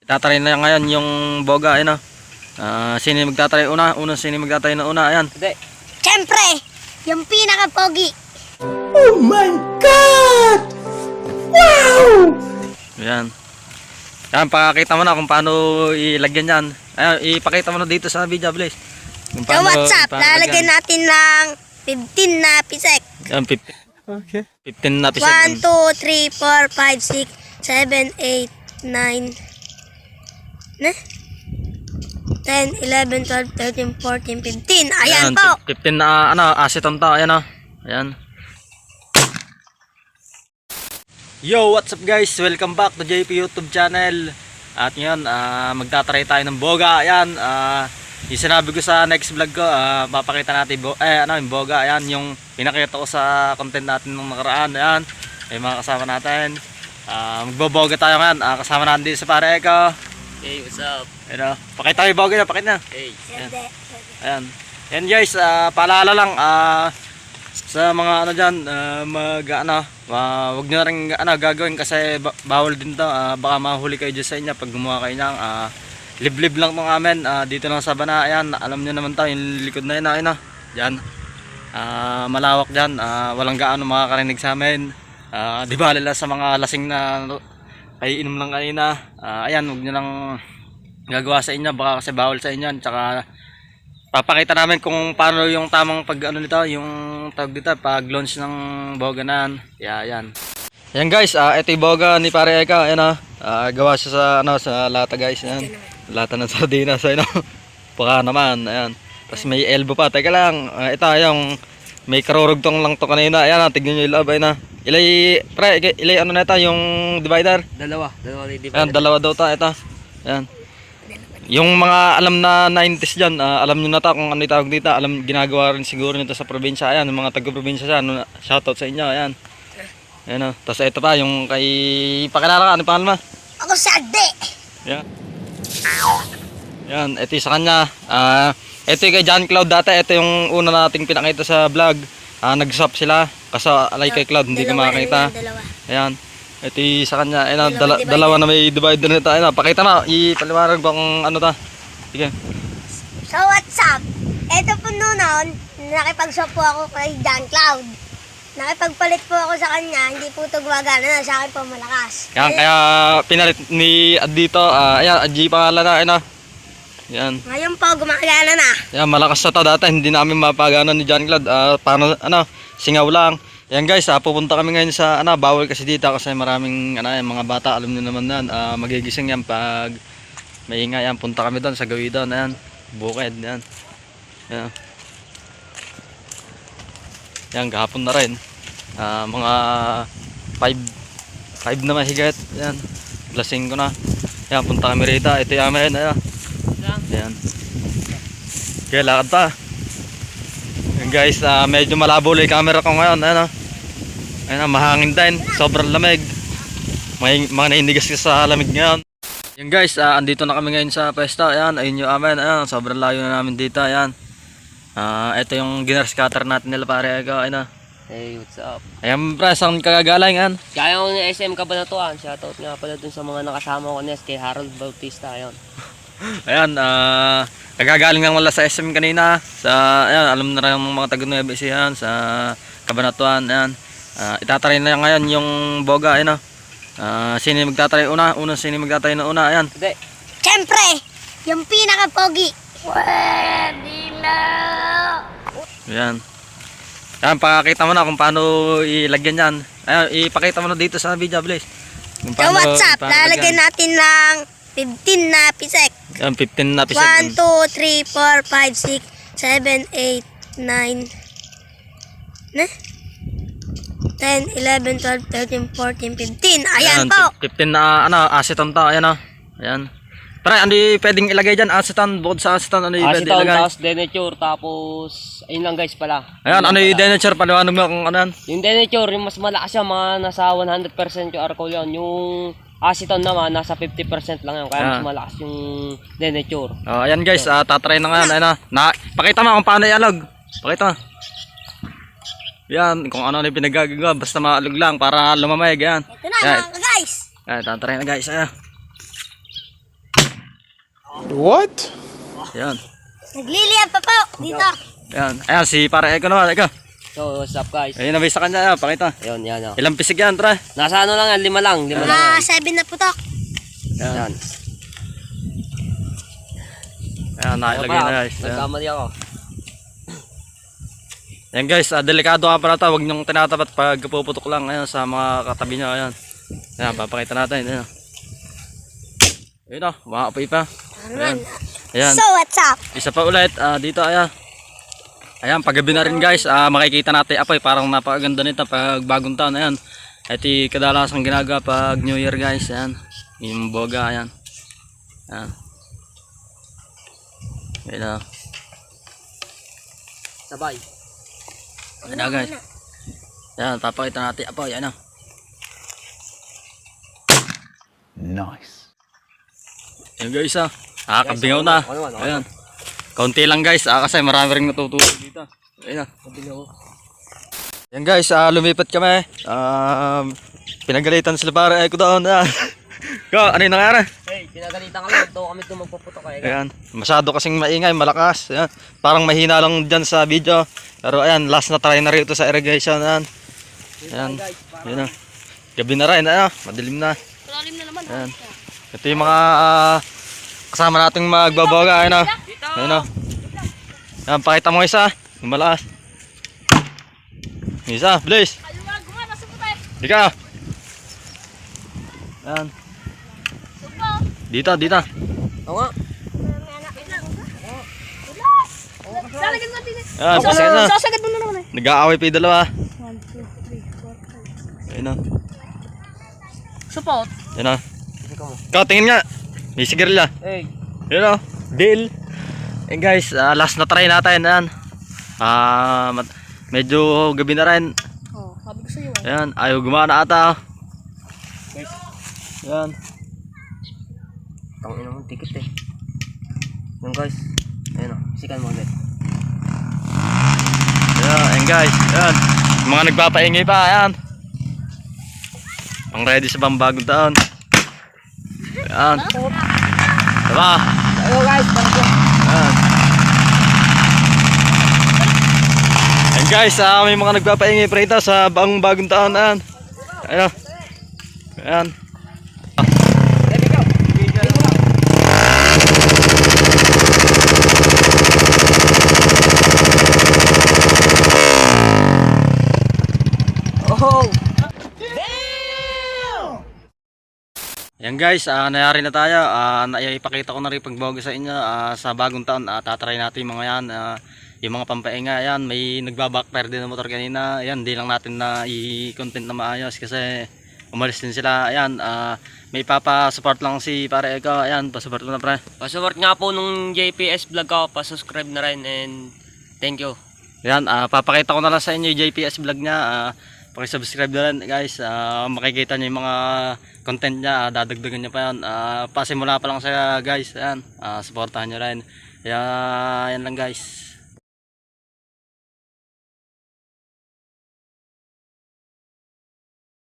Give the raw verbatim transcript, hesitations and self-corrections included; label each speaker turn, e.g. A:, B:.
A: Tatry na ngayon yung boga, ayun o. Uh, sino yung magtatry una? Una, sino yung magtatry na una? Ayan.
B: Hindi.
C: Siyempre, yung pinaka-pogi.
D: Oh my God! Wow!
A: Ayan. Ayan, pakakita mo na kung paano ilagyan yan. Ayan, ipakita mo na dito sa video, please. Kung
C: Sa WhatsApp, lalagyan natin ng fifteen na pisek.
A: Ayan, fifteen. Okay. fifteen na pisek.
C: one, two, three, four, five, six, seven, eight, nine, ne? ten, eleven, twelve, thirteen, fourteen, fifteen. Ayan,
A: Ayan,
C: po.
A: fifteen na ano, aceton to. Ayan o. Ayan. Yo, what's up guys? Welcome back to J P YouTube channel. At ngayon, uh, magtatry tayo ng boga. Ayan, uh, yung sinabi ko sa next vlog ko, uh, papakita natin bo eh, ano, yung boga. Ayan, yung pinakita ko sa content natin nung nakaraan. Ayan, ay mga kasama natin. Uh, magboboga tayo ngayon. Uh, kasama natin dito sa pare ko.
B: Hey, what's up?
A: Ayan, uh, pakita yung boga na, pakita na.
B: Hey.
A: Ayan. Ayan. Ayan guys, uh, paalala lang uh, sa mga ano dyan, uh, mag ano, uh, wag nyo na rin ano, gagawin kasi ba bawal din to. Uh, baka mahuli kayo dyan sa inyo pag gumawa kayo ng uh, liblib lang itong amin. Uh, dito lang sa bana. Ayan, alam nyo naman to, yung likod na yun, ayun, uh, dyan. Uh, malawak dyan, uh, walang gaano makakarinig sa amin. Uh, di ba lala sa mga lasing na ay inom lang kanina. Uh, ayan, wag nyo lang gagawa sa inyo, baka kasi bawal sa inyo. Tsaka papakita namin kung paano yung tamang pag ano nito, yung tawag dito, pag launch ng boga na yan. Yeah, ayan. Ayan guys, uh, ito yung boga ni Pare Eka. Ayan ah, uh, gawa siya sa ano, sa lata guys. Ayan. Lata ng sardinas, ayun oh. Baka naman, ayan. Tapos may elbow pa. Teka lang, uh, ito yung may karurugtong lang to kanina. Ayan ah, tignan nyo yung loob, ayun ah. Ilay, pre, ilay ano na ito, yung divider?
B: Dalawa. Dalawa yung divider.
A: Ayan, dalawa daw ta, ito. Ayan. Yung mga alam na nineties dyan, uh, alam nyo na ta kung ano yung tawag dito. Alam, ginagawa rin siguro nito sa probinsya. Ayan, yung mga taga-probinsya siya. Ano, shoutout sa inyo, ayan. Ayan o. Tapos ito pa, yung kay... Pakilala ka, ano yung pangalan mo?
C: Ako Sagde.
A: Ayan. Ayan, ito yung sa kanya. Uh, ito yung kay John Cloud dati. Ito yung una nating pinakita sa vlog. Uh, Nag-swap sila. Kaso alay kay Cloud, hindi ko makakita.
C: Dalawa.
A: Ayan. Ito yung sa kanya. Ayan, dala, dalawa na may divider nito. Ayan, pakita na. Ipaliwanag ba kung ano ta. Sige.
C: So what's up? Ito po noon, nakipag-swap po ako kay John Cloud. Nakipagpalit po ako sa kanya, hindi po ito gumagana na, sa akin po malakas.
A: Yan, kaya pinalit ni Ad dito. Uh, ayan, Ad G pangalan na. Ayan, yan.
C: Ngayon po, gumagana na.
A: Yan, malakas na to dati. Hindi namin mapagana ni John Cloud. Uh, paano, ano, singaw lang. Yan guys, uh, pupunta kami ngayon sa, ano, bawal kasi dito kasi maraming, ano, yung mga bata, alam niyo naman yan. Uh, magigising yan pag maingay. Yan, punta kami doon sa gawi doon. Ayan, bukid. Yan. Yan. Yan, kahapon na rin. Uh, mga five na mahigit. Yan, lasing ko na. Yan, punta kami rito. Ito yung amin. Ayan. Yan. Kaya lakad pa. Yan guys, uh, medyo malabo yung camera ko ngayon. Ayan, uh. Ayan, uh, mahangin din. Sobrang lamig. May mga nainigas sa lamig ngayon. Yan guys, uh, andito na kami ngayon sa pwesto. Ayan, ayun yung amin. Ayan, sobrang layo na namin dito. Ayan. Uh, ito yung ginner scatter natin nila Pare Eka. Ayan, uh.
B: Hey, what's up?
A: Ayan, pre, saan kagagaling yan?
B: Kaya ko ng S M Kabanatuan. Shoutout nga pala dun sa mga nakasama ko nes kay Harold Bautista. Ayun.
A: Ayan, ah, uh, nagagaling lang wala sa S M kanina. Sa, ayan, alam na rin ng mga taga-Nueva Ecija yan, sa Kabanatuan. Ayan, uh, itatry na ngayon yung boga. Ayan, uh, sino yung magtatry una? Una, sino yung magtatry na una? Ayan.
B: Hindi.
C: Siyempre, yung pinaka-pogi. Pwede na.
A: Ayan. Ayan, pakakita mo na kung paano ilagyan yan. Ayan, ipakita mo na dito sa video, please. Kung
C: Sa WhatsApp,
A: paano
C: lalagyan natin ng fifteen na pisek.
A: Ayan, fifteen na pisek.
C: one, two, three, four, five, six, seven, eight, nine, ne? ten, eleven, twelve, thirteen, fourteen, fifteen. Ayan, po.
A: fifteen na ano, aceton to. Ayan o. Ayan. Pero ano yung pwedeng ilagay dyan? Aceton, bukod sa aceton, ano yung pwedeng
B: Aceton,
A: ilagay?
B: tapos denature, tapos ayun lang guys pala.
A: Ayan,
B: Yun
A: ano
B: lang
A: yung
B: pala.
A: denature? Paliwanag mo kung ano yan.
B: Yung denature, yung mas malakas siya, mga nasa one hundred percent yung alcohol yun. Yung aceton naman, nasa fifty percent lang yun. Kaya
A: Ah.
B: mas malakas yung denature.
A: Oh, ayan guys, uh, tatry na nga. Ayan, na. na. Pakita mo kung paano ialog. Pakita mo. Yan, kung ano na yung pinagagagawa. Basta maalog lang para lumamay. Yan.
C: Ito na,
A: Ayan.
C: mga guys.
A: Ayan, tatry na guys. Ayan.
D: What?
A: Ayan.
C: Nagliliyab pa po. Dito.
A: Ayan. Ayan, si para Eko naman. Eko.
B: So, what's up guys?
A: Ayun na may sa kanya. Ayan, pakita.
B: Ayun, yan o.
A: Ilang pisig yan, tara.
B: Nasa ano lang yan, lima lang, lima lang
C: Ah,
B: yan.
C: seven na putok.
A: Ayan.
B: Yan.
A: Ayan, nakilagay na guys. Ayan.
B: Nagkamali ako.
A: Ayan guys, ah, delikado ka pala ito. Huwag niyong tinatapat pag puputok lang. Ayan, sa mga katabi niyo. Ayan. Ayan, papakita natin. Ayan. Ayun o, makaapoy pa. Ayan. Ayan.
C: So, what's up?
A: Isa pa ulit, ah, dito ayan. Ayan, paggabi na rin guys, ah, makikita natin apoy. Parang napakaganda nito pag bagong taon. Ayan. Ito yung kadalasang ginagawa pag New Year guys. Ayan. Yung boga, ayan. Ayan. Ayan na.
B: Sabay.
A: Ayan na guys. Ayan, papakita natin apoy. Ayan na.
D: Nice.
A: Ayan guys ah. Nakakabingaw na.
B: Ano naman, ano
A: Ayan. Kaunti lang guys, ah, kasi marami rin natutulog dito. Ayan na. Ayan guys, ah, lumipat kami. Um, pinagalitan sila para Eko doon. Ah. Ko, ano yung nangyari?
B: Hey, pinagalitan ka lang. Ito kami ito magpuputok kayo.
A: Ayan, masyado kasing maingay, malakas. Ayan. Parang mahina lang dyan sa video. Pero ayan, last na try na rin ito sa irrigation. Ayan. Ayan. Ayan na. Gabi na rin, ayan. Madilim na.
C: Malalim na naman.
A: Ayan. Ito yung mga ah, kasama nating magbabaga. Ayan na. Ayan na. Ayan, pakita mo isa. Yung malakas. Yung isa, please. Dika. Ayan. Dito, dito.
B: Oo nga.
A: Ayan, pasakit na.
C: Sasagad mo na naman eh.
A: Nag-aaway pa yung dalawa.
C: one, two, three, four, five.
A: Ayan na.
C: Support.
A: Ayan na. Ikaw, tingin nga. May sigarilya.
B: Hey.
A: Ayan o. Deal. Ayan guys, ah, last na try natin. Ayan. Ah, mat- medyo gabi na rin.
C: Oh, sabi ko sa'yo.
A: Ayan, ayaw gumana ata. Ayan.
B: Tangin naman, tikit eh. Yung guys. Ayun o, sikan mo ulit.
A: Ayan, ayan guys. Ayan. Yung mga nagpapaingay pa. Ayan. Pang ready sa pambagong taon. Ayan. Diba?
B: Ayun guys, parang ko.
A: Ayan. Ayan guys, ah, may mga nagpapaingay pa rito sa bagong bagong taon. Ayan. Ayan. Ayan.
B: Oh!
A: Yan guys, uh, nayari na tayo. Uh, naipakita ko na rin pagbago sa inyo uh, sa bagong taon. Uh, tatry natin yung mga yan. Uh, yung mga pampainga yan. May nagbabackfire din ng motor kanina. Ayan, di lang natin na i-content na maayos kasi umalis din sila. Ayan, uh, may papasupport lang si Pare Eko. Ayan, pasupport mo na pre.
B: Pasupport nga po nung J P S vlog ko. Pasubscribe na rin and thank you.
A: Ayan, uh, papakita ko na lang sa inyo yung J P S vlog niya. Uh, Pakisubscribe na rin guys. Uh, makikita nyo yung mga content niya. Uh, dadagdagan nyo pa yan. Uh, pasimula pa lang siya guys. Ayan, uh, supportahan nyo rin. Kaya, yan lang guys.